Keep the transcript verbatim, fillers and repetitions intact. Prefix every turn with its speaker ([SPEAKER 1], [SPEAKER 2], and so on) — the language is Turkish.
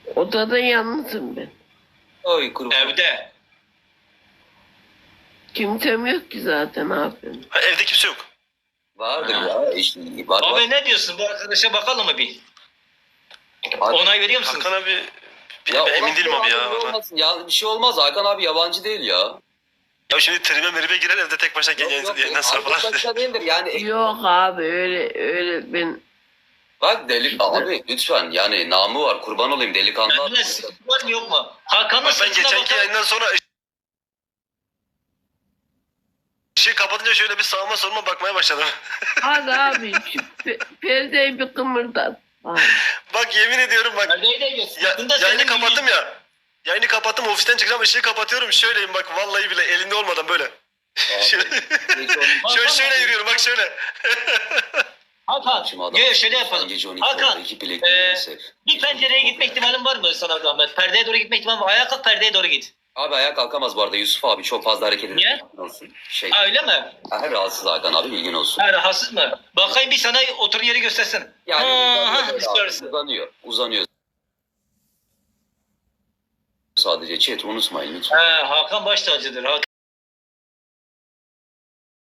[SPEAKER 1] Odada yalnızım ben.
[SPEAKER 2] Oy kurban.
[SPEAKER 3] Evde.
[SPEAKER 1] Kimsem yok ki zaten abi.
[SPEAKER 4] Ha, evde kimse yok.
[SPEAKER 2] Vardır
[SPEAKER 3] Ha.
[SPEAKER 2] ya. İşte, var, var.
[SPEAKER 3] Abi ne diyorsun? Bu arkadaşa bakalım mı bir?
[SPEAKER 2] Hadi.
[SPEAKER 3] Onay veriyor musun?
[SPEAKER 4] Hakan abi bir,
[SPEAKER 2] Ya
[SPEAKER 4] ben emin
[SPEAKER 2] olmaz
[SPEAKER 4] değilim
[SPEAKER 2] ya,
[SPEAKER 4] abi ya.
[SPEAKER 2] ne
[SPEAKER 4] vallahi.
[SPEAKER 2] olmasın? Ya bir şey olmaz. Hakan abi yabancı değil ya.
[SPEAKER 4] Ya şimdi trime meribe girer evde tek başına
[SPEAKER 2] Yok,
[SPEAKER 4] yayın,
[SPEAKER 2] yok,
[SPEAKER 4] yayından sonra falan.
[SPEAKER 2] arkadaşlar değildir yani.
[SPEAKER 1] Yok abi öyle öyle ben
[SPEAKER 2] Bak delik abi lütfen yani namı var kurban olayım delikanlı.
[SPEAKER 3] Bende sıkıntı var mı yok mu? Hakan'ın
[SPEAKER 4] Bak ben
[SPEAKER 3] sırtına
[SPEAKER 4] geçenki
[SPEAKER 3] bakalım.
[SPEAKER 4] yayından sonra ışığı kapatınca şöyle bir sağıma soluma bakmaya başladım.
[SPEAKER 1] hadi abi şu pe- perdeyi bir kımırdat. Abi.
[SPEAKER 4] Bak yemin ediyorum bak.
[SPEAKER 3] Perdeyi de göster.
[SPEAKER 4] Ya,
[SPEAKER 3] Bunda
[SPEAKER 4] yayını
[SPEAKER 3] senin
[SPEAKER 4] kapattım
[SPEAKER 3] bir-
[SPEAKER 4] ya. Yayını kapattım ofisten çıkacağım ışığı kapatıyorum şöyleyim bak vallahi bile elinde olmadan böyle. şöyle, şöyle şöyle yürüyorum bak şöyle.
[SPEAKER 3] Hakan, yo, şöyle yapalım. Hakan, e, bir pencereye gitme ihtimalin var mı sana zahmet? Perdeye doğru gitme ihtimalin var mı? Ayağa kalk, perdeye doğru git.
[SPEAKER 2] Abi ayağa kalkamaz bu arada Yusuf abi çok fazla hareket ediyor.
[SPEAKER 3] Niye?
[SPEAKER 2] Olsun. Şey.
[SPEAKER 3] Ha öyle mi?
[SPEAKER 2] Ha, rahatsız Hakan abi bilgin olsun.
[SPEAKER 3] Ha rahatsız mı? Bakayım bir sana otur yeri göstersen.
[SPEAKER 2] Yani
[SPEAKER 3] ha, ha,
[SPEAKER 2] uzanıyor, böyle abi,
[SPEAKER 3] istersin.
[SPEAKER 2] uzanıyor. Uzanıyor. Sadece chat unutmayın lütfen.
[SPEAKER 3] Ha, Hakan baş tacıdır. Hakan